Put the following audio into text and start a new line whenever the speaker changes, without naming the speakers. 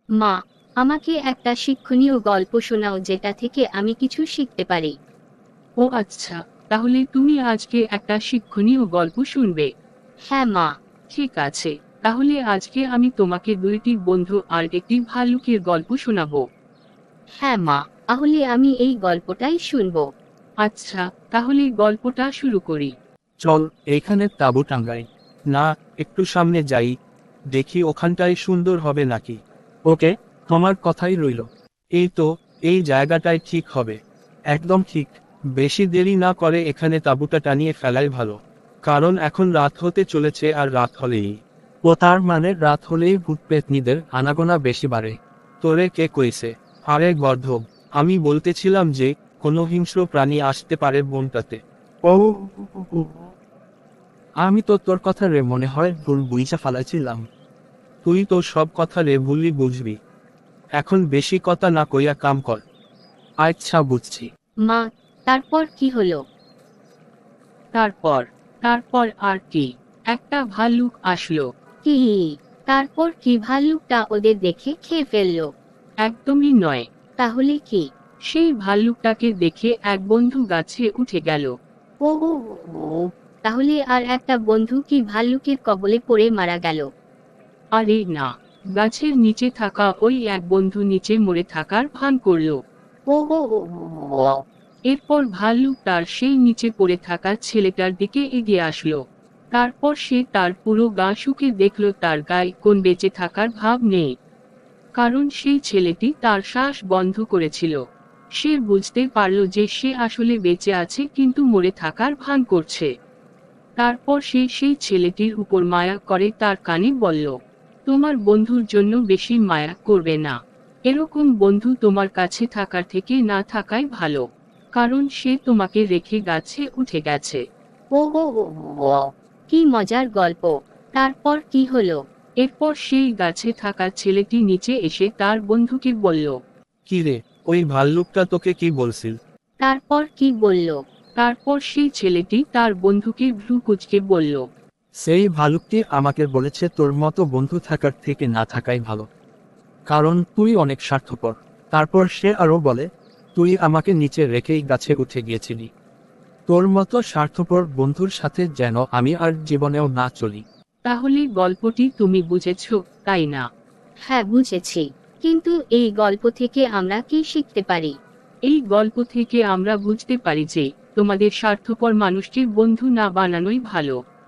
মা, আমাকে একটা শিক্ষণীয় গল্প শোনাও যেটা থেকে আমি কিছু শিখতে পারি।
ও আচ্ছা, তাহলে তুমি আজকে একটা শিক্ষণীয় গল্প শুনবে।
হ্যাঁ মা।
ঠিক আছে, তাহলে আজকে আমি তোমাকে দুইটি বন্ধু আর একটি ভাল্লুকের গল্প শোনাবো।
হ্যাঁ মা, তাহলে আমি এই গল্পটাই শুনবো।
আচ্ছা, তাহলে গল্পটা শুরু করি।
চল এখানে তাঁবু টাঙ্গাই। না, একটু সামনে যাই, দেখি ওখানটায় সুন্দর হবে নাকি। ওকে, তোমার কথাই রইল। এই তো, এই জায়গাটাই ঠিক হবে। একদম ঠিক। বেশি দেরি না করে এখানে তাঁবুটা টানিয়ে ফেলাই ভালো। কারণ এখন রাত হতে চলেছে, আর রাত হলেই তার মানে রাত হলেই ভূত পেতনিদের আনাগোনা বেশি বাড়ে। তোরে কে কইছে? আরে গর্ধব, আমি বলতেছিলাম যে কোনো হিংস্র প্রাণী আসতে পারে বনটাতে। ও, আমি তো তোর কথা রে মনে হয় ভুল বুঝা ফালাইছিলাম। তুই তো সব কথা রে ভুলই বুঝবি। এখন বেশি কথা না কইয়া কাম কর। আচ্ছা বুঝছি।
মা, তারপর কি হলো?
তারপর তারপর আর কি, একটা ভাল্লুক আসলো।
কি? তারপর কি ভাল্লুকটা ওদের দেখে খেয়ে ফেললো?
একদমই নয়।
তাহলে কি?
সেই ভাল্লুকটাকে দেখে এক বন্ধু গাছে উঠে গেল।
ও ও, ও, তাহলে আর একটা বন্ধু কি ভাল্লুকের কবলে পড়ে মারা গেল?
আরে না, গাছের নিচে থাকা ওই এক বন্ধু নিচে মরে থাকার ভান করলো।
ও ও, ও, ও,
এরপর ভাল্লুক তার সেই নিচে পড়ে থাকা ছেলেটার দিকে এগিয়ে আসলো। তারপর সে তার পুরো গা শুকে দেখল তার গায়ে কোন বেঁচে থাকার ভাব নেই। কারণ সেই ছেলেটি তার শ্বাস বন্ধ করেছিল। সে বুঝতে পারল যে সে আসলে বেঁচে আছে কিন্তু মরে থাকার ভান করছে। তারপর সে সেই ছেলেটির উপর মায়া করে তার কানে বলল, তোমার বন্ধুর জন্য বেশি মায়া করবে না। এরকম বন্ধু তোমার কাছে থাকার থেকে না থাকাই ভালো। কারণ সে তোমাকে রেখে গাছে উঠে গেছে।
ও ও, ও, ও, কি মজার গল্প। তারপর কি হলো?
এরপর সেই গাছে থাকা ছেলেটি নিচে এসে তার বন্ধুকে বলল।
কি রে, ওই ভাল্লুকটা তোকে কি বলছিল?
তারপর কি বলল?
তারপর সেই ছেলেটি তার বন্ধুকে ভ্রু কুঁচকে বলল,
সেই ভালুকটি আমাকে বলেছে তোর মতো বন্ধু থাকার থেকে না থাকাই ভালো। কারণ তুই অনেক স্বার্থপর। তারপর সে আরো বলে, তুই আমাকে নিচে রেখেই গাছে উঠে গিয়েছিলি। তোর মতো স্বার্থপর বন্ধুর সাথে যেন আমি আর জীবনেও না চলি।
তাহলে গল্পটি তুমি বুঝেছ, তাই না?
হ্যাঁ বুঝেছি। কিন্তু এই গল্প থেকে আমরা কি শিখতে পারি?
এই গল্প থেকে আমরা বুঝতে পারি যে তোমাদের স্বার্থপর মানুষকে বন্ধু না বানানোই ভালো।